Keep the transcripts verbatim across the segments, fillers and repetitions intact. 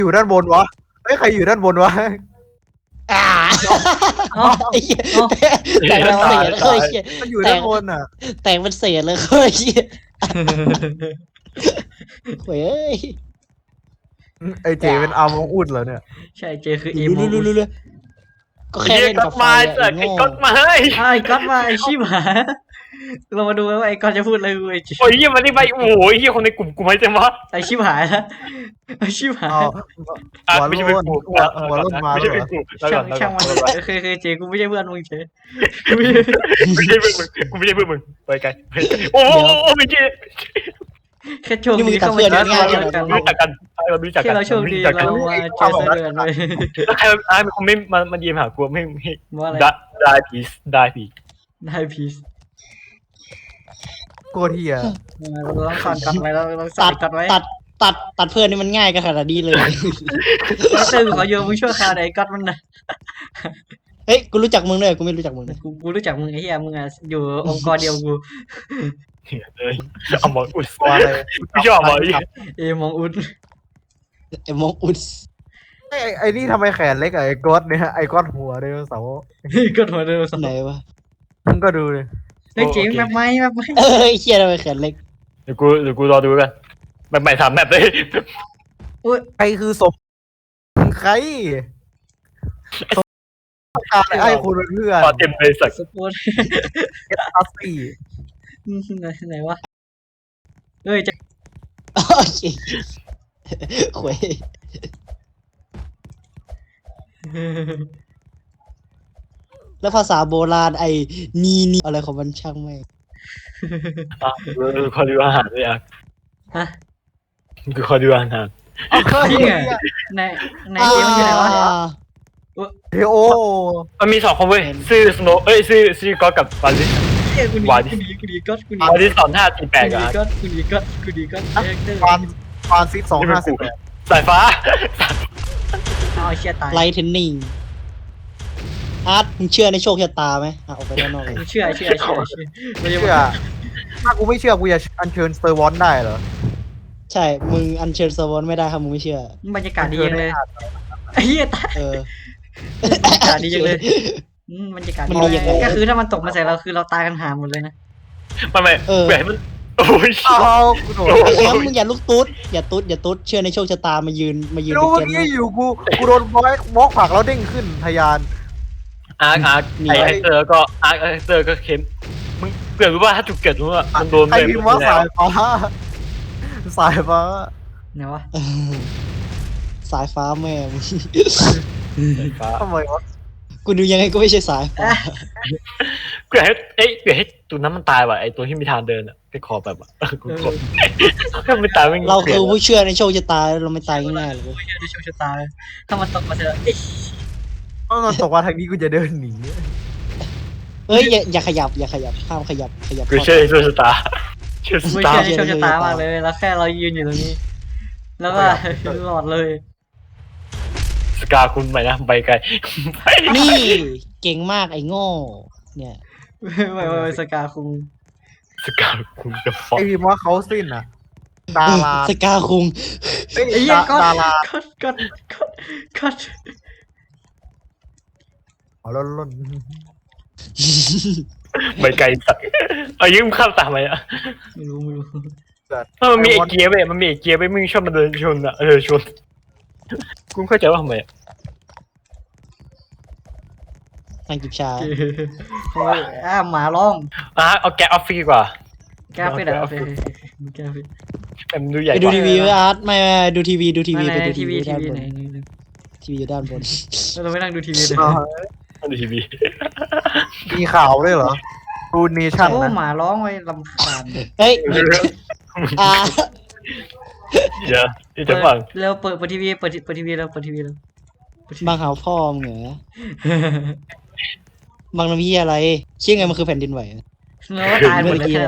อยู่ด้านบนวะเฮ้ยใครอยู่ด้านบนวะอ่าอ๋อไอ้เหี้ยอ๋อแต่งเป็นเศษเลยเหี้ยมันอยู่ด้านบนอ่ะแต่งเป็นเศษเลยเฮ้ยเหี้ยเฮ้ยไอเจเป็นอาร์มองอุดเหรอเนี่ยใช่เจคือเอรู้โมรู้รู้รู้ก็แค่เฮียเล่นก็กับไฟมาอะเกิไอ้ดไอ้โง่ก๊อตมาเฮ้ยไอ้ก๊อตมาไอ้ชิบหายเรามาดูกันว่าไอ้ก๊อตจะพูดอะไรกูไอ้จิโอ้ยเฮียมันนี่ไปโอ้ยเฮียคนในกลุ่มกูไม่ใช่มั้ยไอ้ชิบหายแล้วไอ้ชิบหายเอาอ่ะหัวไม่ใช่โล้เป็นนกูหัวหัวโล้นมาไม่แล้ใช่วเหรเป็นอกูแล้วช่าก่อง นแล้วช่างก่มัอน นเออเคยเคยเจกูไม่ใช่เพื่อนมึงเจไม่ใช่เพื่อนมึงกูไม่ใช่เพื่อนมึงไปไกลโอ้โหไม่ใช่แค่โชคดีเข้ามาเจอกันรู้จักกันเรารู้จักแค่กันเราโชคดีเรามาเจอเดือนเลยแล้วใครไอ้มันคงไม่มามาเยี่ยมหากูไม่ไม่ว่าอะไรได้ได้พีซได้พีได้พีซโคตรเฮียเราต้องสอนกัดไว้เราต้องสอตันดกัดไว้ตัดตัดตัดเพื่อนนี่มันง่ายกันขนาดนี้เลยแล้วเติมขอโยมมึงช่วยข่าวไหนกัดมันนะเฮ้ยกูรู้จักมึงด้วยกูไม่รู้จักมึงนะกูกูรู้จักมึงไอ้เหี้ยมึงอ่ะอยู่องค์กรเดียวกูเลยเอาหมออุดตัวอะไรไม่ชอบหมออีเอมองอุดไอ้มงอุดไอ้ไอ้นี่ทำไมแขนเล็กอะไอ้ก๊อตเนี่ยไอ้ก๊อตหัวไดโนเสาร์ก็หัวเดิมสไหนวะมึงก็ดูเลยเฮ้ยเจ๋งแบบไหมแบบไหมเอ้ยเชี่ยทำไมแขนเล็กเดี๋ยวกูเดี๋ยวกูรอดูกันแบบใหม่ทำแบบเลยใครคือศพใครต้องการไอ้คุณเป็นเพื่อนพอเต็มเลยสักสปอร์ตเอสอาร์ซีไหนไหนวะเฮ้ยจะโอ้ยขวยแล้วภาษาโบราณไอ้นีนีอะไรของมันช่างไม่งอ่ะดูขอดูอาหารเลยอ่ะฮะกูขอดูอาหารจริงเหรอในในเกมมันอยู่ไหนวะอ่าเฮโอมันมีสองคนเว้ยชื่อสโนเอ้ยชื่อชื่อก๊อตกับวาลิสเฮ้ยกูดีวาดิกูดีกูดีก็กูดีวาลิสสอนท่าตีแปลกกูอ่ะดีก็กูดีก็กูดีก็เอ็กเตอร์ฟานฟานซิกสองห้าสิบแปดสายฟ้าเอาไอ้เชี่ยตายไลท์เทนนิงอาร์ตมึงเชื่อในโชคชะตาไหมอ่ะออกไปด้านนอกเลยเชื่อเชื่อเชื่อเชื่อไม่ใช่เชื่อถ้ากูไม่เชื่อกูจะอัญเชิญสเตอร์วอนได้เหรอใช่ มึงอัญเชิญสวอนไม่ได้ครับมึงไม่เชื่อบรรยากาศดีจังเลยไอ้เหี้ยตายเออบรรยากาศดีจังเลยอืมบรรยากาศมันดีดียังไงก็คือถ้ามันตกมาใส่เราคือเราตายกันหาหมดเลยนะมันไม่แบบมันโอ้ยเอากูโดนไอ้แชมป์มึงอย่าลุกตุ๊ดอย่าตุ๊ดอย่าตุ๊ดเชื่อในโชคชะตามายืนมายืนรู้เป็นเมื่อเจนกี้อยู่กูกูโดนบล็อกบล็อกผักแล้วเด้งขึ้นทะยานอาร์คอาร์คไอไอเตอร์ก็อาร์คไอเตอร์ก็เข้มมึงเกิดรู้ว่าถ้าจุกเกิดรู้ว่ามันโดนใครพิมพ์ว่าสายฟ้าสายฟ้าไหนวะเออสายฟ้าแม่มึงฟ้าทำไมวะกูดูยังไงก็ไม่ใช่สายฟ้าเกิดให้เอ้ยเกิดให้ตัวนั้นมันตายว่ะไอตัวที่มีทางเดินอ่ะไปขอแบบอ่ะกูขอถ้าไม่ตายไม่เราคือผู้เชื่อในโชคชะตาเราไม่ตายง่ายๆหรอกเว้ยไม่เชื่อในโชคชะตาถ้ามันตกมาใส่เราเอ้ยถ้ามันตกมาทางนี้กูจะเดินหนีเฮ้ยอย่าอย่าขยับอย่าขยับห้ามขยับขยับกูเชื่อในโชคชะตาเชื่อไม่ตาเชื่อในโชคชะตามากเลยแล้วแค่เรายืนอยู่ตรงนี้ แล้วก็หลอดเลยสกาคุณไปนะไปไกลนี่เก่งมากไอ้โง่เนี่ยไม่ไม่ไม่สกาคุงสกาคุณจะฟ้องไอพิมพ์ว่าเขาสิ้นอ่ะดาราสกาคุงเอ้ยไอ้เหี้ยก็ดาราก็ก็ก็ก็อ๋อล้นล้นไปไกลสักเอายืมข้ามตามไปอ่ะไม่รู้ไม่รู้เพราะมันมีไอเกียร์เว้ยมันมีไอเกียร์เว้ยมึงชอบมาเดินชนอ่ะเออชนกูเข้าใจว่าทำไมทางกิบชาโอ้ยอ่าหมาร้องอ่ะเอาแกะออฟฟี่ดีกว่าแก้ไปไหนโอเคแก้ไปแต่มันดูใหญ่ไปกดูว่าทีวีไว้อาร์ตไม่ไม่ดูทีวีดูทีวีไหนไปดูทีทีวีวีทีด้านวีบนไหนทีวีอยู่ด้านบนเราไม่นั่งดูทีวีเลยมันดูทีวีมีข่าวด้วยเหรอรูเนชั่นโอ้นะหมาร้องไว้ลำคาญเฮ้ยอ่าเดี๋ยวเดี๋ยวจะฟังเร็วเปิดเปิดทีวีเปิดเปิดทีวีแล้วเปิดทีวีแล้วบางหาวพ่อมึงเหรอบางน้ำพี่อะไรเชื่อไงมันคือแผ่นดินไหวเราก็ตายหมดเลยแค่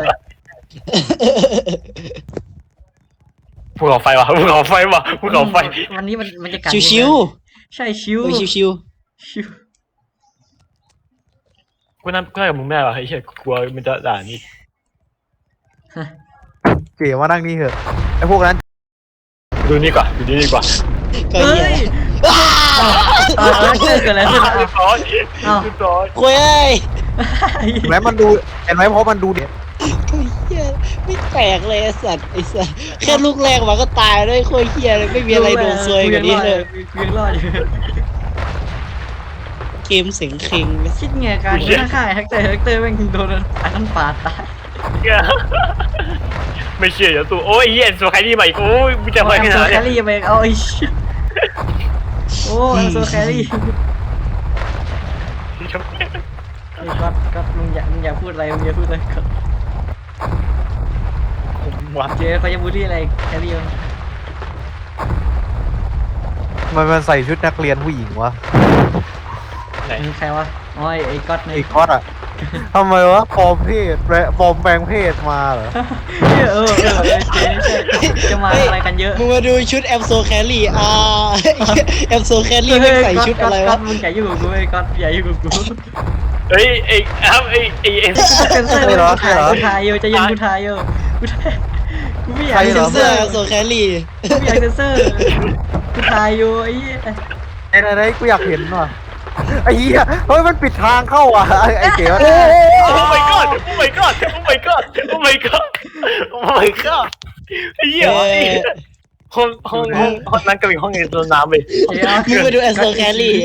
ภูเขาไฟวะภูเขาไฟวะภูเขาไฟวันนี้มันมันจะกัดชิวใช่ชิวๆเฮ้ยชิวชิวกูนั่งกูนั่งกับมึงไม่ได้วะไอ้เหี้ยกลัวมันจะด่านี่เก๋มานั่งนี่เถอะไอพวกนั้นดูนี่กว่าดูนี่ดีกว่าก็เฮ้เหี้ยยเออเกิดอะไรขึ้นเรียบร้อยเรียบร้อยคุยเอ้ยเห็นไหมมันดูเห็นไหมเพราะมันดูเด็ดก็เหี้ยไม่แปลกเลยไอ้สัตว์ไอ้สัตว์แค่ลูกแรกมันก็ตายด้วยโคตรเหี้ยเลยไม่มีอะไรโดนซวยกว่านี้เลยกูยังรอดอยู่เกมเสียงเคร่งคิดไงการกูนั่งข้างไอ้แฮกเตอร์แฮกเตอร์แม่งโดนอันนั้นปาดตายไม่เชื่ออย่าตัวโอ้ยเหี้ยโซใครนี่มาอีกโอ้ยมึงจะเอาไปแอขมโซนาดแคนี้รี่ไปเอาไอ้เชี่ยโอ้แอมโซแครี่ไอ้ก๊อตก๊อตมึงอย่ามึงอย่าพูดอะไรมึงอย่าพูดอะไรก๊อตวัดเจ๊เขาจะบูลลี่อะไรแครี่มันมันมันใส่ชุดนักเรียนผู้หญิงวะไหนใครวะอ๋อไอ้ก๊อตในไอ้ก๊อตอะทำไมวะปลอมเพศแปลปลอมแปลงเพศมาเหรอเออเออเออเจ๊ใช่จะมาอะไรกันเยอะมึงมาดูชุดแอมโซแคลรี่อ่าแอมโซแคลรี่ไม่ใส่ชุดอะไรก๊อวะตมึงอย่ายุ่งกับกูไอ้ก๊อตอย่ายุ่งกับกูเฮ้ยไอ้ครับไอ้ไอ้ไอ้เซนเซอร์กูถ่ายกูถ่ายอยู่จะยิงกูถ่ายอยู่กูถ่ายกูไม่อยากเซเซนนเซเซออร์ร์แอมโซแคลรี่กูไม่อยากเซนเซอร์กูถ่ายอยู่ไอ้เหี้ยไอ้ไหนๆกูอยากเห็นว่ะไอ้เหี้ยเฮ้ยมันปิดทางเข้าอ่ะไอ้ไอ้เก๋วะโอ้ my god โอ้ my god โอ้ my god โอ้ my god โอ้ my god ไอ้เหี้ยห้องห้องห้องห้องนั้นก็มีห้องในตัวน้ำไปมึงมาดูแอมโซแคลรี่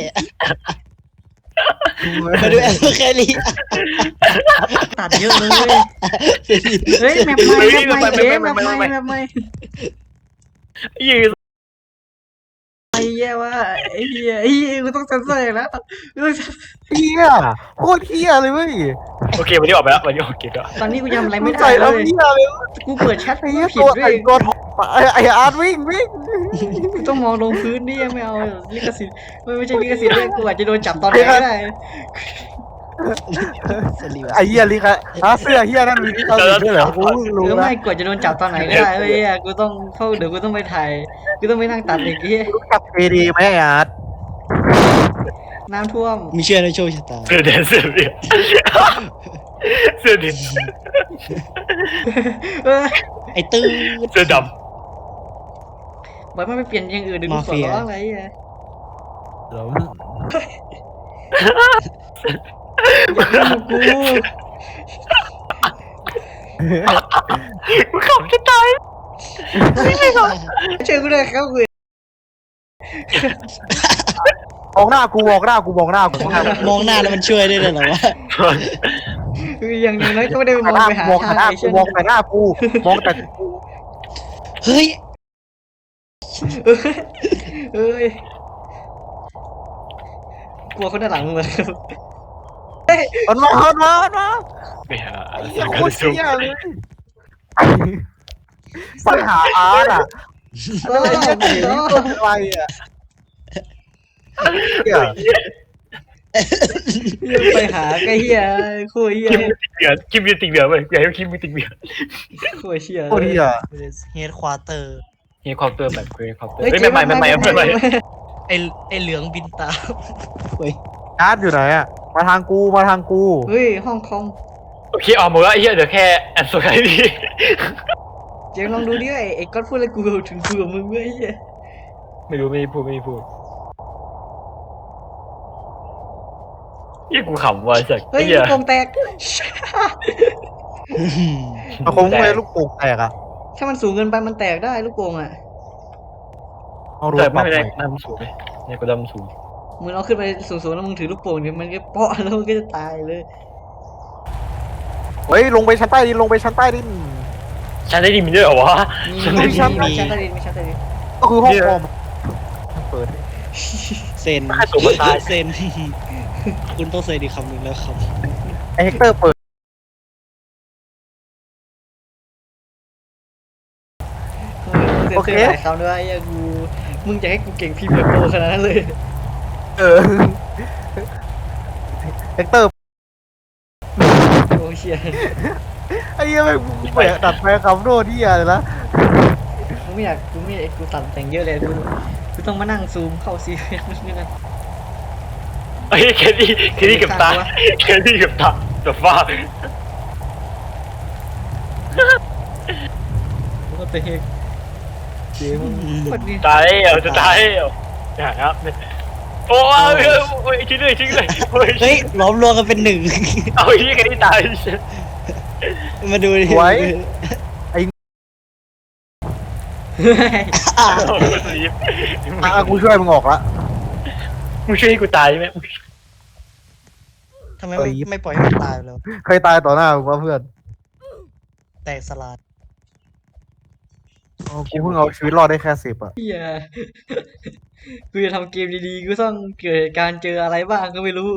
มาดูแอมโซแคลรี่ตัดเยอะเลยเฮ้ยแมปใหม่แมปใหม่เจ๊แมปใหม่แมปใหม่ยืนไอ้เหี้ยว่าไอ้เหี้ยไอ้เหี้ยกูต้องเซนเซอร์แล้วกูต้องเหี้ยโคตรเหี้ยเลยเว้ยโอเควันนี้ออกไปแล้ววันนี้โอเคก็ตอนนี้กูยังอะไรมึไม่งได้ใส่เลแล้วยเหี้ยเลยกูเปิดแชทไอ้กูเหี้ยผิตัดวด้วไอ้ยตัวทองไอ้ไอ้อาร์ตวิ่งวิ่งกูต้องมองลงพื้นนี่ไม่เอาลิขสิทธิ์ไม่ไม่ใช่ลิขสิทธิ์ด้วยกูอาจจะโดนจับตอนไหนก็ได้ไอ้เหี้ยลิคะอาเสื้อเหี้ยนั่นมีลิขสิทธิ์ด้วยเหรอกูเพิ่งหรู้รือนะไม่กว่าจะโดนจับตอนไหนก็ได้เว้ยกูต้องเข้าเดี๋ยวกูต้องไปถ่ายกูต้องไปนั่งตัดอีกทีรู้จักเอดีไหมไอ้อาร์ตน้ำท่วมมีเชื่อในโชคชะตาเสื้อแดงเสื้อเดียวเสื้อดินเออไอ้ตื้อเสื้อดบอกมันไปเปลี่ยนอย่างอื่นเดี๋ยวกูขอร้องอะไรอ่ะอย่ากูำกูขำจะตายเชื่อกูเลยครับกูมองหน้ากูมองหน้ากูมองหน้ากูมองหน้ามองหน้าแล้วมันช่วยได้เลยเหรอวะอย่างน้อยก็ไม่ได้มองไปหามองทางหน้าไอ้กูเช่นมองแต่หน้ากูมองแต่กูเฮ้ยเอ้ยกลัวคนด้านหลังมึงเลยมันมามันมามันมาไม่หาไอ้อะไรเหี้ยสักโคกตระรสุนเหี้ยเลยปัญหาอาร์ตอ่ะโอ้ไอ้เหี้ยเก๋นี่ตัวอะไรอ่ะเหี้ยไปหาไอ้เหี้ยคุยเหี้ยคิมมีติดเบียร์คิมมีติดเบียร์เว้ยอยากให้คิมมีติดเบียร์คุยเชี่ยโคตรเหี้ยเฮดควอเตอร์เฮียความเติมแบบคุยความเติมเฮ้ยไม่ใหม่ไม่ใหม่ไม่ใหม่ไอไอเหลืองบินตามเว้ยอาร์ตอยู่ไหนอ่ะมาทางกูมาทางกูเฮ้ยห้องคอมโอเคออกหมดแล้วไอ้เหี้ยเดี๋ยวแค่แอนโซไคดีเจ๊ลองดูดิไอ้ไอ้ก๊อตพูดอะไรกูถึงกูกับมึงเว้ยไอ้เหี้ยไม่รู้ไม่พูดไม่พูดยี่กูขำว่ะสักเฮ้ยเหี้ยลูกโป่งแตกมันคงไม่ลูกโป่งแตกอ่ะถ้ามันสูงเกินไปมันแตกได้ลูกโป่งอ่ะเอารถแต่ปรัไม่บเป็นใหไรม่น้ำสูงไหมเนี่ยกูดำสูงมึงเอาขึ้นไปสูงๆแล้วมึงถือลูกโป่งเนี่ยมันก็เปาะแล้วมันก็จะตายเลยเฮ้ยลงไปชั้นใต้ดินลงไปชั้นใต้ดินฉันได้ดีมีด้วยเหรอวะมีฉันมีได้มีดีชั้นมีใต้ดินมีชั้นใต้ดินก็คือห้องคอมเปิดเซนให้ตัวมันตายเซนคุณต้องเซนอีกคำหนึ่งแล้วครับไอเฮกเตอร์เปิดเซ็นเซอร์หลายคำด้วยไอ้เหี้ยกูมึงจะให้กูเก่งพรีเมียร์โปรขนาดนั้นเลยเออเฮกเตอร์โอ้เชี่ยไอ้เหี้ยไม่งแปะดัดแปลงคำโน้ตที่อะไรนะกูไม่อยากกูไม่อยากกูตัดแต่งเยอะเลยกูกูต้องมานั่งซูมเข้าซีเรียสนิดนึงเฮ้ยแคดี้แคดี้กับตาแคดี้กับตาตัวฟ้ากูก็เตะเจ๊มึงคนนี้ตายแล้วจะตายแล้วนะครับโอ้ยโอ้ยชิ้นเลยชิ้นเลยโอ้ยเฮ้ยล้อมรวมกันเป็นหนึ่งเอาไอ้ยี่กันที่ตายมาดูดิไว้อ่ะอ่ะกูช่วยมึงออกละมึงช่วยให้กูตายไหมทำไมไม่ไม่ปล่อยให้มันตายแล้วเคยตายต่อหน้ามึงวะเพื่อนแตกสลายอ๋อกูเพิ่งเอาชีวิตรอดได้แค่สิบอ่ะเฮียกูจะทำเกมดีๆกูต้องเกิดการเจออะไรบ้างก็ไม่รู้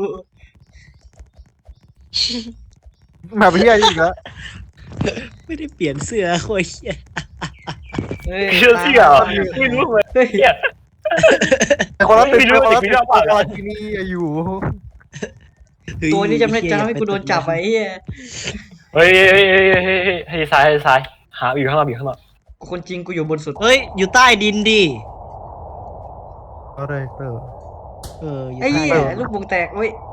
แบบเฮียอีกแล้วไม่ได้เปลี่ยนเสื้อโคตรเหี้ยเฮ้ยเชื่อเสี่ยไม่รู้เลยเฮ้ยเนี่ยแต่คนละตึกไม่รู้คนละไม่ตึรู้กว่าคนละที่นี่อยู่ตัวนี้จะไม่จะทำให้กูโดนจับไอ้เฮียเฮ้ยเฮ้ยเฮ้ยเฮ้ยเฮ้ยให้ซ้ายให้ซ้ายหาอยู่ข้างนอกอยู่ข้างนอกคนจริงกูอยู่บนสุดเฮ้ยอยู่ใต้ดินดิอะไรเตอร์เอออยู่ไอ้ใต้เหี้ยดินลูกวงแตกเว้ย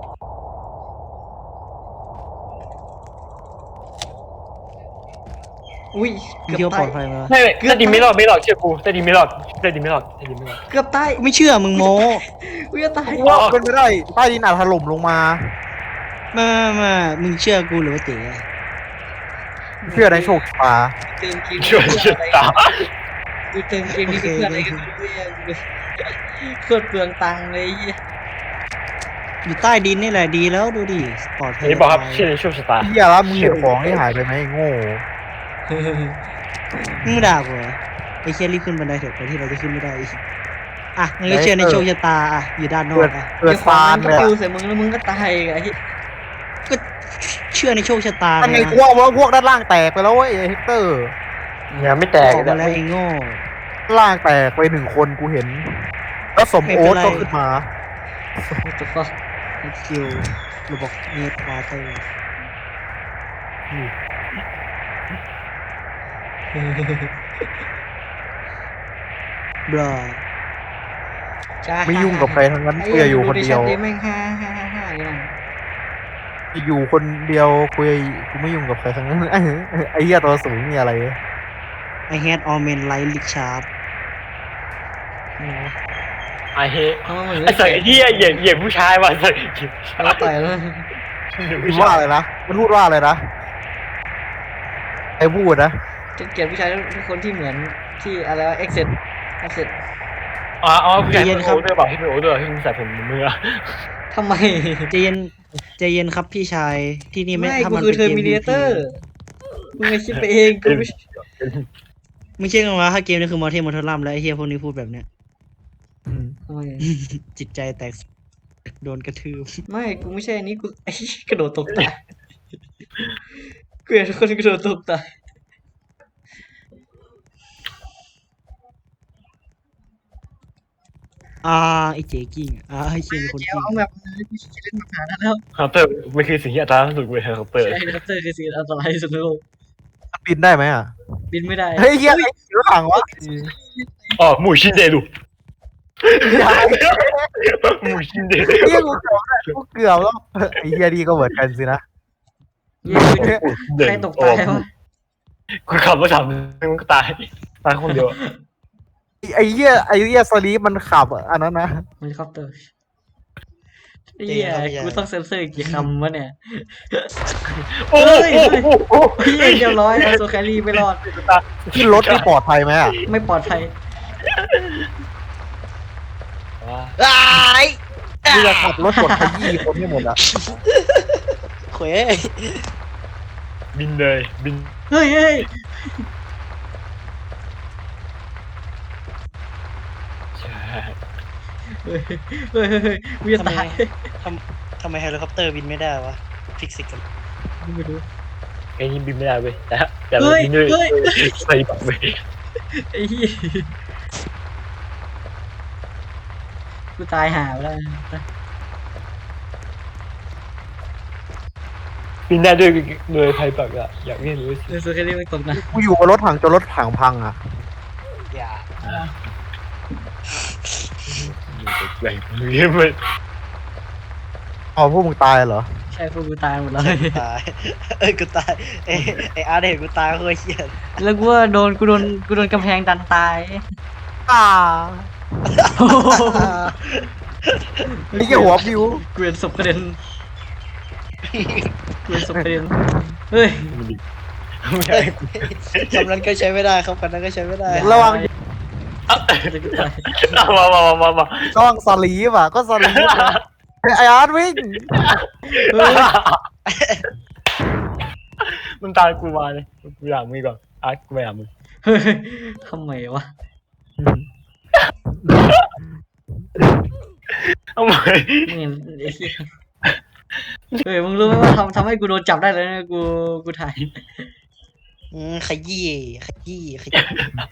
อุ้ยเกืเดียวอบปลตาอย ดภัยมาไม่ไม่แต่ดินไม่รอดไม่รอดเชื่อกูแต่ดินไม่รอดแต่ดินไม่รอดแต่ดินไม่รอดเกือบตายไม่เชื่อมึงโม้กูจะตายว่าเป็นไม่ได้ใต้ดินอาจถล่มลงมามามามึงเชื่อกูหรือว่าเต๋อเชื่อในโชคชะตาเติมเกมช่วยช่วยตากูเติมเกมนี้เพื่ออะไรกันเว้ยโคตรเปลืองตังค์เลยไอ้เหี้ยอยู่ใต้ดินนี่แหละดีแล้วดูดิปลอดภัยนี่บอกครับเชื่อในโชคชะตาเฮียแล้วมึงเห็นของที่หายไปไหมไอ้โง่มึงด่ากูเหรอไอ้เชี่ยรีบขึ้นบันไดเถอะก่อนที่เราจะขึ้นไม่ได้อีกอ่ะงั้นก็เชื่อในโชคชะตาอ่ะอยู่ด้านนอเกิกดอ่ะเกิดเดี๋ยวขวาซานมันเลยก็อะปิวใส่มึงแล้วมึงก็ตายอีกไอ้เหี้ยก็เชื่อในโชคชะตาทำไงไงกูว่าว่าพวกด้านล่างแตกไปแล้วเว้ยไอ้เฮกเตอร์ยังไม่แตกออกมาแล้วไอ้โง่ด้านล่างแตกไปหนึ่งคนกูเห็น แล้วสมโอ๊ตก็ขึ้นมา What the fuck คิวระบบเนตวาเตอร์บลาจ้าไม่ยุ่งกับใครทั้งนั้นกูจะอยู่คนเดียวไอ้แม่งฮ่าฮ่าฮ่าฮ่าอย่างนั้นอยู่คนเดียวกูจะกูไม่ยุ่งกับใครทั้งนั้น ไอ้เหี้ยตัวสูงนี่อะไรไอแฮดออเมนไลท์ลิชาร์ดไอ้เฮ้ทำไมมันไอ้สัตว์ไอ้เหี้ยเหยียบเหยียบผู้ชายว่ะสัตว์แล้วต่อยแล้วมันว่าอะไรนะ มันพูดว่าอะไรนะไอ้พูดนะจะเกลียดผู้ชายทุกคนที่เหมือนที่อะไรวะ exit exit อ๋ออ๋อผู้ชายเป็นโอ้ด้วยเปล่าที่เป็นโอ้ด้วยที่มึงใส่ผมมือทำไมใจเย็นใจเย็นครับพี่ชายที่นี่ไม่ไม่ถ้ากูมันคือเป็นเกม Terminator มึงไม่คิดไปเองกูไม่ไม่ใช่กันว่าถ้าเกมนี้คือมอเทมอเทอร์ลัมแล้วไอเฮียพวกนี้พูดแบบเนี้ยทำไมจิตใจแตกโดนกระทืบไม่กูไม่ใช่อันนี้กูไอ้กระโดดตกตายกูเห็นคนกระโดดตกตายอ่าไอเจกิ้งอ่าไอเชียเป็นคนเจ้ากิ้งเอาแบบนั้นกูจะเล่นมาหาแล้วเคาน์เตอร์ไม่คือสิ่งที่อัตราสุดเว้ยเคาน์เตอร์ใช่ครับเตอร์คือสิ่งอันตรายที่สุดในโลกบินได้ไหมอ่ะบินไม่ได้เฮ้ยเหี้ยไอ้รถถังวะอ๋อหมูชินเดลุหมูชินเดลุเหี้ยกูเกือบแล้วกูเกือบแล้วไอ้เหี้ยดีก็เหมือนกันสินะเย้ใครตกตายวะกูขับรถสามมึงก็ตายตายคนเดียวไอ้เหี้ยไอ้เหี้ยสลีปมันขับอันนั้นนะเฮลิคอปเตอร์ไอ้เหี้ยกูต้องเซ็นเซอร์กี่คำวะเนี่ยโอ้โหพี่เรียบร้อยเอาโซแครี่ไม่รอดขึ้นรถที่ปลอดภัยไหมอ่ะไม่ปลอดภัยอ้ายกูจะขับรถกดขยี้คนให้หมดอ่ะเขวยบินเลยบินเฮ้ยเฮ้ย เฮ้ยเฮ้ยเฮ้ยกูจะทำไมตายทำทำไมเฮลิคอปเตอร์บินไม่ได้วะฟิกซิกกันไม่รู้ไอ้นี่บินไม่ได้เว้ยแต่แต่บินด้วยใส่ปักเว้ยไอ้เหี้ยกูตายหาไปแล้วบินได้ด้วยด้วยใครปักอะอยากเรียนรู้สิเออโซแครี่ไม่ตกนะกูอยู่กับรถถังจนรถถังพังอ่ะอย่าอยู่แรงเรียนมันอ๋อพวกมึงตายเหรอใใช่พวกกูตายหมดเลยตายเอ้ยกูตายเอ้ยไออาร์ตเห็นกูตายโคตรเหี้ยแล้วกูว่าโดนกูโดนกูโดนกำแพงดันตายอ่านี่แค่หัวบิวกูเห็นศพกระเด็นกูเห็นศพกระเด็นเฮ้ยเฮ้ยคำนั้นก็ใช้ไม่ได้ครับคำนั้นก็ใช้ไม่ได้ระวังจะกูตายเอามามามามามาระวังสลีฟอ่ะก็สลีฟนะไออาร์ตวิ่งเฮ้ยมึงตามกูมาเลยกูอยากมึงก่อนอาร์ตกูไม่อยากมึงเฮ้ยทำไมวะทำไมมึงเห็นไอ้เหี้ยเฮ้ยมึงรู้ไหมว่าทำทำให้กูโดนจับได้เลยนะกูกูถ่ายอืมขยี้ขยี้ขยี้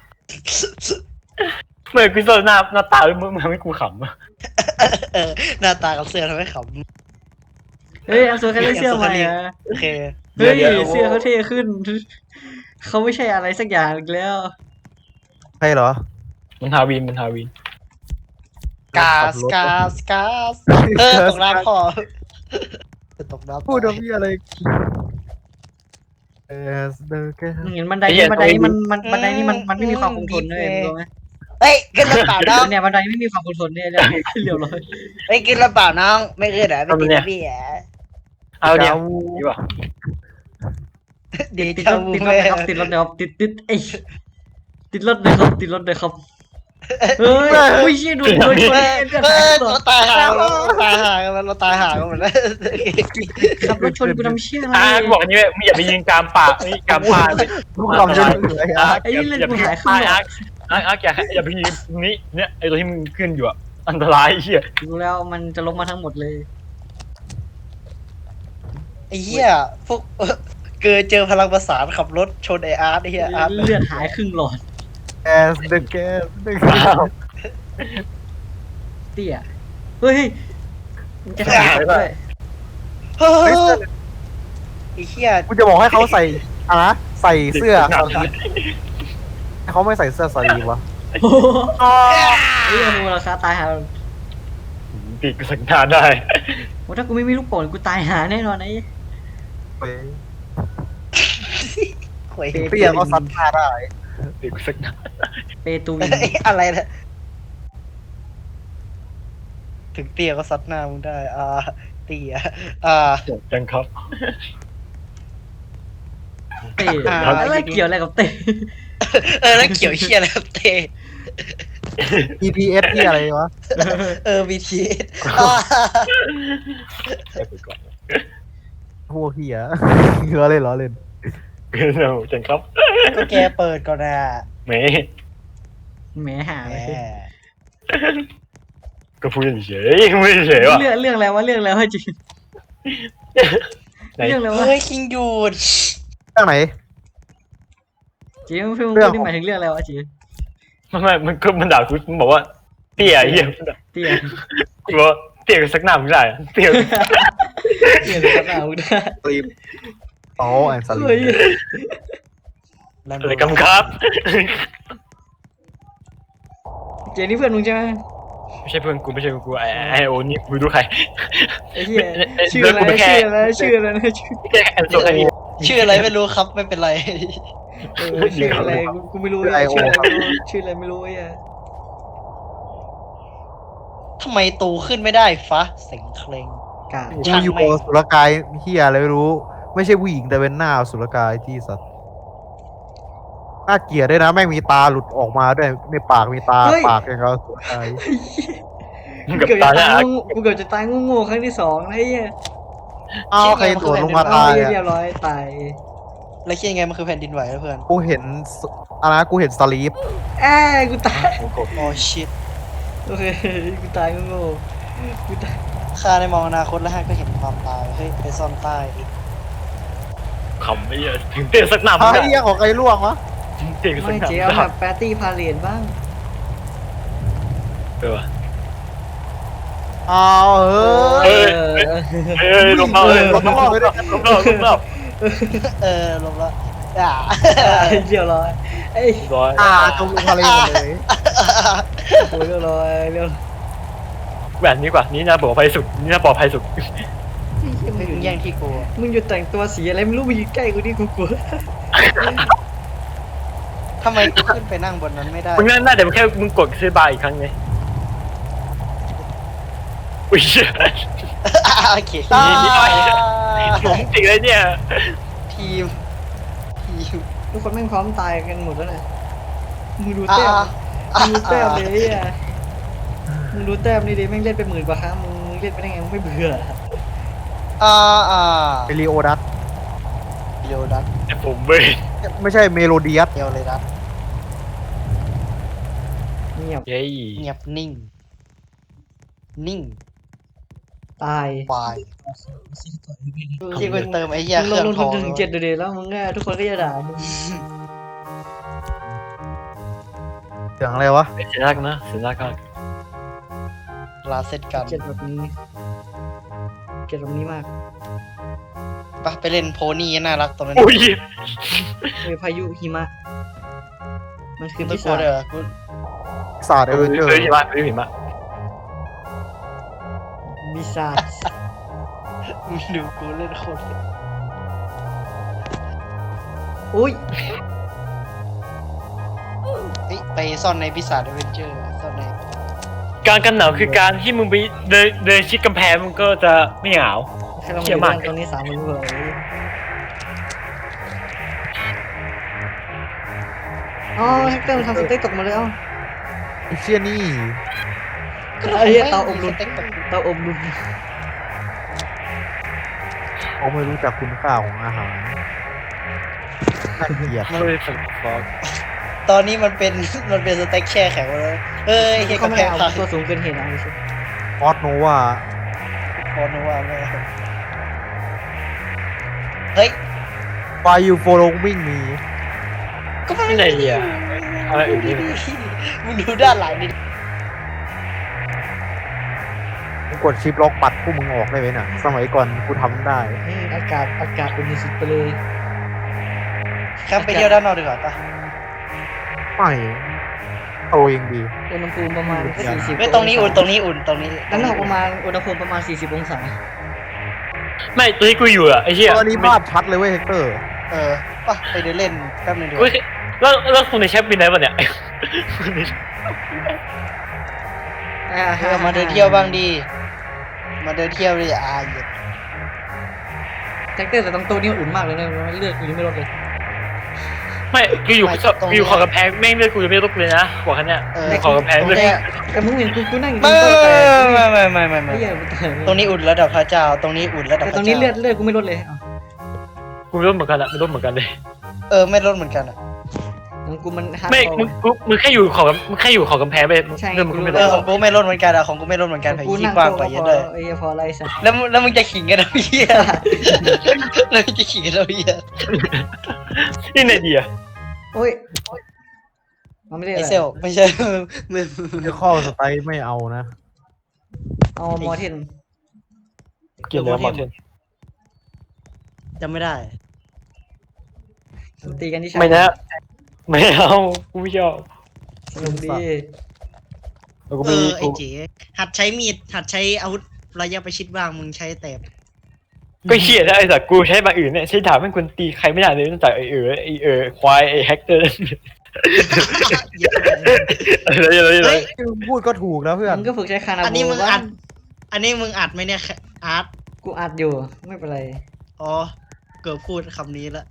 เมื่อกูโซนหน้าหน้าตามึงมึงทำให้กูขำอะเออหน้าตากับเสื้อทำให้ขเฮ้ยเอาเสื้อแค่ได้เสื้อใหม่อะำโอเคเฮ้ยเสื้อเขาเท่ขึ้นเขาไม่ใช่อะไรสักอย่างอีกแล้วใช่เหรอมันทาวินมันทาวินกาสกาสกาสเออตกน้ำพอตกน้ำพูดว่าพี่อะไรเอสเดอร์แกมึงเห็นบันไดนี่บันไดนี่มันมันบันไดนี่มันมันไม่มีความคงทนเลยมึงรู้ไหมเฮ้ยขึ้นลำเปล่าน้องเนี่ยบันไดไม่มีความคงทนเนี่ยเลยขึ้นเร็วเลยเฮ้ยขึ้นลำเปล่าน้องไม่ขึ้นเหรอไม่ติดนะพี่อ่ะเอาเนี่ยดีป่ะดีติดจัรง ถติดรถแม่นะครับติดรถนะครับติดติดไอ้ติดรถเลยครับติดรถเลยครับเฮ้ยอุ้ยเชี่ยดูโดนชนเออเลือดเอหายอหมเราดตายห่าเราตายห่ากันเราตายห่ากันหมดแล้วขับรถชนกูทำเชี่ยอะไรอ่าบอกอย่างนี้มึงอย่าไปยิงกามปากนี่กามปากทุกคำจะเหนื่อยอ่ะไอ้เรื่องกูหายขึ้นหรออาร์ตอาร์ตอาร์ตอย่าอย่าไปยิงนี้เนี่ยไอตัวที่มึงขึ้นอยู่อะอันตรายเหี้ยดูแล้วมันจะลงมาทั้งหมดเลยไอ้เหี้ยพวกเกิดเจอพลังประสานขับรถชนไออาร์ตไอ้เหี้ยอาร์ตเลือดหายครึ่งหลอดแอสเดอร์แกสเดอร์เตี้ยเฮ้ยมันจะทำอะไรด้วยเฮ้ยไอ้เหี้ยกูจะบอกให้เขาใส่อะนะใส่เสื้อสลีฟเขาไม่ใส่เสื้อสลีฟวะโอ้โหเฮ้ยมูราคาตายหาปีกสังทานได้โอ้ถ้ากูไม่มีลูกโป่งกูตายหาแน่นอนไอ้เฮ้ยหวยเตี้ยก็ซัดหน้าได้ปีกสังทานเปตูวินเอ้ยอะไรนะถึงเตี้ยก็ซัดหน้ามึงได้อ่าเตี้ยอ่าจังครับเต้อะไรเกี่ยวอะไรกับเต้เออแล้วเขียวเชี่ยอะไรครับเต้อี พี เอส ที่อะไรวะเออบีทีไปก่อนพวกเฮียล้อเล่นล้อเล่นเราจังครับก็แกเปิดก่อนนะเมแหมหาแหมเลยก็พูดเฉยไม่เฉยว่ะเรื่องเรื่องอะไรวะเรื่องอะไรวะจริงเรื่องอะไรวะเฮ้ยคิงหยุดเรื่องไหนจริงพี่มึงพูดนี่หมายถึงเรื่องอะไรวะจริงไม่ไม่มันก็มันด่ากูมันบอกว่าเตี้ยเหี้ยเตี้ยกูบอกว่าเตี้ยสักหน้ามึงได้เตี้ยเตี้ยเลยครับเอาได้สลีฟอ๋อแอนสลีเฮ้ยฟอะไรกำครับเจนี่เพื่อนมึงใช่ไหมไม่ใช่เพื่อนกูไม่ใช่เพื่อนกูไอไอโอนี่กูดูใครไอ้เหี้ยชื่ออะไรชื่ออะไรชื่ออะไรนะชื่อแค่แอนโซไอนี่ชื่ออะไรไม่รู้ครับไม่เป็นไรเออชื่ออะไรกูกูไม่รู้เลยชื่ออะไรไม่รู้ชื่ออะไรไม่รู้ไอ้เหี้ยทำไมตูขึ้นไม่ได้ฟะเสียงเคลงกากูอยู่กับสุรกายเฮียอะไรไม่รู้ ไม่ใช่ผู้หญิงแต่เป็นหน้าสุรกายที่สัตว์น่าเกลียดด้วยนะแม่งมีตาหลุดออกมาด้วยในปากมีตาปากอย่างเขาสุรกายมึงกูกับเกือบตาจะเนี่ยตายกูเกือบจะตายงูๆครั้งที่สองไอ้เหี้ยอ้าวใครตัวลงมาเอาตายเรีอ่ะยบร้อยตายแล้วคิดยังไงมันคือแผ่นดินไหวนะเพื่อนกูเห็นอะไรนะกูเห็นสลีฟแอ้กูตายโอ้ชิตโอเคกูตายงูๆกูตายข้าได้มองอนาคตแล้วฮะก็เห็นความตายเฮ้ยไปซ่อนใต้อีกขำไม่เยอะถึงเตี้ยสักหน้ามึไอ้งได้เหี้ยของใครล่วงวะเตี้ยสักไม่หน้าเจ๊เอาแบบปาร์ตี้พาเลทบ้างเอออ้าวเฮ้ยเอ้ยลงมาเลยลงมาเลยลงมาลงมาเออลงละอ่าเรียบร้อยเอ้ยร้อยอ่าจมลงทะเลหมดเลยโอ้ยเรียบร้อยเรียบร้อยแบบนี้กว่านี้น่าปลอดภัยสุดนี่น่าปลอดภัยสุดไม่อยู่แย่งที่กูมึงอยู่แต่งตัวสีอะไรไม่รู้มาอยู่ใกล้กูนี่กูกลัวทำไมกูขึ้นไปนั่งบนนั้นไม่ได้มึงนั่นน่าแต่แค่มึงกดซื้อบาร์อีกครั้งไงอุ้ยโอเคนี่นี่หน่อยผมจริงเลยเนี่ยทีมทีมทุกคนแม่งพร้อมตายกันหมดแล้วนะมึงดูอ่าแต้มอ่ามึงดูแต้มเลยอ่ะมึงดูแต้มนี่ดิแม่งเล่นไปหมื่นกว่าครั้งมึงเล่นไปได้ไงมึงไม่เบื่ออ่าอ่าเมโลโอดัสเดียวดัดแต่ผมเว้ยไม่ใช่เมโลเดียสเดียวเลยดัดเงียบเย้เงียบนิ่ง นิ่งตายวายที่กูเติมไอ้เหี้ยมึงเคลรื่องงททุอน งถึงเจ็ดเดือนแล้วมึงก็ทุกคนก็จะด่ามึงเสียงอะไรวะเสียรักนะเสียรักมากลาเซตกันเกลียดแบบนี้เกลียดแบบนี้มากปะไปเล่นโพนี่น่ารักตรงนั้นอุ้ยเฮ้ยพายุหิมะมันคือไม่พิกลัวศาจเด้อกูศาสตร์เอเวนเจอร์เฮ้ยหิมะเฮ้ยหิมะบิซาจมึงดูกูเล่นโคตรอุ้ยเฮ้ยไปซ่อนในพิศาจเวนเจอร์ซ่อนในการกันหนาวคือการที่มึงไปเดินเดินชิดกำแพงมึงก็จะไม่หนาวให้เราเชี่มายมากดูตรงนี้สามคนเลยอ๋อแฮกเกอร์มันทำสเต็กตกมาเลยเอ้าไอ้เชี่ยนี่ไอ้เหี้ยเตาอบลมสเต็กตกเตาอบลมเขาไม่รู้จักคุณค่าของอาหารน่าเกลียดไม่ได้สั่งฟอกตอนนี้มันเป็นมันเป็นสเต็กแช่แข็งหมดเลยเฮ้ยเฮียเขากำไม่แพได้งเอาพังตัวสูงเกินเหตุเอาสิออสโนวาพอนึกว่าไม่เฮ้ยไฟยูโฟลงวิ่งมีก็ไม่ที่ไหนอ่ะอะไรอื่นนี่มึงดูด้านหลังดิมึงกดชิปล็อกปัดพวกมึงออกได้ไหมน่ะ สมัยก่อนกูทำได้อืมอากาศอากาศเป็นสุดไปเลยครับไปเที่ยวด้านนอกดีกว่าปะไม่โตเองดีอุณหภูมิประมาณสี่สิบไม่ตรงนี้อุ่นตรงนี้อุ่นตรงนี้ด้านนอกประมาณอุณหภูมิประมาณสี่สิบองศาไม่ตัวที่กูอยู่อ่ะไอ้เหี้ยตอนนี้ภาพชัดเลยเว้ยเฮกเตอร์เออปะไปเดินเล่นแป๊บนึงดีกกูว่าแล้วแล้วคุณในแชทบินไหนวะเนี่ยเออมาเดินเที่ยวบ้างดี มาเดินเที่ยวดิอ่าเหยียดแท็กเตอร์แต่ตรงตัวนี้อุ่นมากเลยนะเลือดกูยังไม่ลดเลยไม่กูอยู่กูอยู่ขอบกำแพงแม่งเลือดกูยังไม่ลดเลยนะบอกแค่เนี้ยเอออยู่ขอบกำแพงตรงเลยเนี้ยแต่มึงเห็นกูกูนั่งอยู่ตรไม่งโต๊ะแต่ไม่ไม่ไม่ไม่ไม่ไม่ใช่กูตายตรงนี้อุ่นระดับพระเจ้า ตรงนี้อุ่นระดับแต่พตรระงเจ้านี้เลือดเลือดกูไม่ลดเลยอ้าวกูไม่ลดเหมือนกันอะไม่ลดเหมือนกันเลยเออไม่ลดเหมือนกันอ่ะของกูมันฮาร์ดไม่คอร์มึงมึงมึงแค่อยู่ขอบมึงแค่อยู่ขอบกำแพงไปใช่เรื่องมึงไม่เอได้อของกูไม่ลดเหมือนกันอ่ะของกูไม่ลดเหมือนกันขไผ่องกูที่นั่งกว้างโต๊ะกว่าเยก็อะพอเลยไอ้เหี้ยพออะไรสักแล้วมึงแล้วมึงจะขิงกันทำไมเหี้ยแล้วมึงจะขิงกันทำไมเหี้ยนี่ไหนดีอะโอ้ยมันไม่ได้ไออะไรเซลไม่ใช่มึงเดี๋ยวข้อสไตล์ไม่เอานะเอามอเทนกินแล้วหมดเช่นจำไม่ได้ตีกันที่ชาไม่นะไม่เอากูไม่ชอบสนุกดีแล้วกูเอมีอไอกูเจ๋หัดใช้มีดหัดใช้อาวุธระยะประชิดบ้างมึงใช้แต่ก็เหี้ยนะไอ้สัตว์กูใช้บางอื่นเนี่ยใช้ดาบไม่ควรตีใครไม่ได้เลยตั้งแต่ไอ้เออไอ้เออควายไอ้แฮกเตอร์อะไรอะไรอะไรเฮ้ยพูดก็ถูกแล้วเพื่อนมึงก็ฝึกใช้คานาอันโบนี้มึงบ้าอัด อันนี้มึงอัดไหมเนี่ยอาร์ตกูอัดอยู่ไม่เป็นไรอ๋อเกือบพูดคำนี้ละ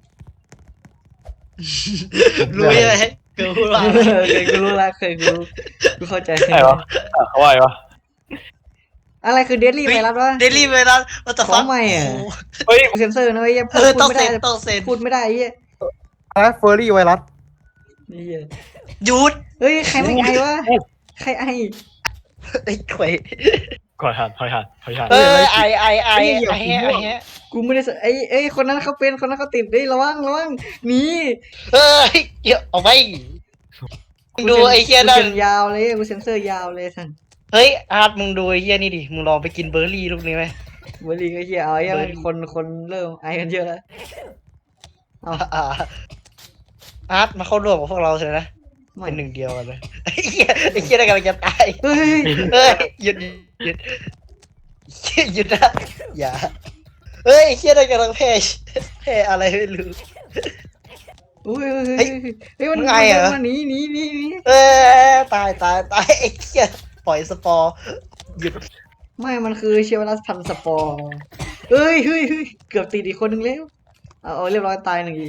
รู้ใช่ไหมเกือบพูดว่าเคยกูรู้ละเคยกูรู้กูเข้าใจอะไรวะอ่ะเขาว่าไงวะอะไรคือเดดลี่ไวรัสวะเดลี่เวลาวัตถุขฟัอง ใหม่อะเฮ้ยเซนเซอร์นะไอ้เหี้ยเอพูดอพูต้ดองไม่เซ็ได้นต้องเซ็นพูดไม่ได้ไอ้เหี้ยอะไรเฟอร์รี่ไวรัสไอ้เหี้ยหยุดเฮ้ยใครไม่ไอวะใครไอไอ้ข่วยขอทานขอทานขอทานเออไอไอไอไอแฮะไอแฮะกูไม่ได้สไอ้ไอ้ยคนนั้นเขาเป็นคนนั้นเขาติดเฮ้ยระวังระวังหนีเฮ้ยเดี๋ยวเอาไปมึงดูไอ้เฮียกูนั่เซ็นนยาวเลยกูเซ็นเซอร์ยาวเลยท่านเฮ้ยอาร์ตมึงดูไอ้เฮียนี่ดิมึงลองไปกินเบอร์รี่ลูกนี้ไหมบรีก็เหี้ยเอาไอ้เหี้ยเบอร์มันคนคนเริ่มไอกันเยอะแล้วเอาอ่าอาร์ตมาเข้าร่วมกับพวกเราเลยนะไม่เป็นหนึ่งเดียวกันเลยไอ้เฮียไอ้เฮียได้กำลังจะตายเฮ้ยเฮ้ยหยุดหยุดหยุดหยุดนะอย่าเฮ้ยไอ้เฮียได้กำลังแพ้แพ้อะไรไม่รู้อุ้ยเฮ้ยเฮ้ยมันไงอะมันหนีหนีหนีหนีเออตายตายตายไอ้เฮียปล่อยสปอร์หยุดไม่มันคือเชื้อไวรัสพันธุ์สปอร์เฮ้ยเฮ้ยเฮ้ยเกือบติดอีกคนหนึ่งแล้วเอาเอาเรียบร้อยตายหนึ่งที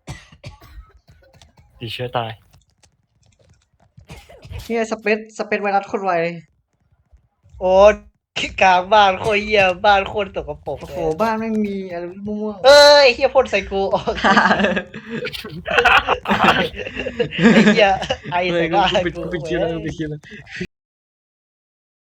ติดเชื้อตายเนี่ยสเปซสเปซไวรัสโคตรไวโอ้กลางบ้านโคตรเหี้ยบ้านโคตรตกกระปรกโอ้เลโหยบ้านไม่งมีอะไรมั่วเอ้ยเฮียพ่นใส่กูออกๆไอ้เฮียไอเฮ้ใส่ยกูบ้านกูปิดกูกูปิดคิวแล้วกูปิดคิวแล้ว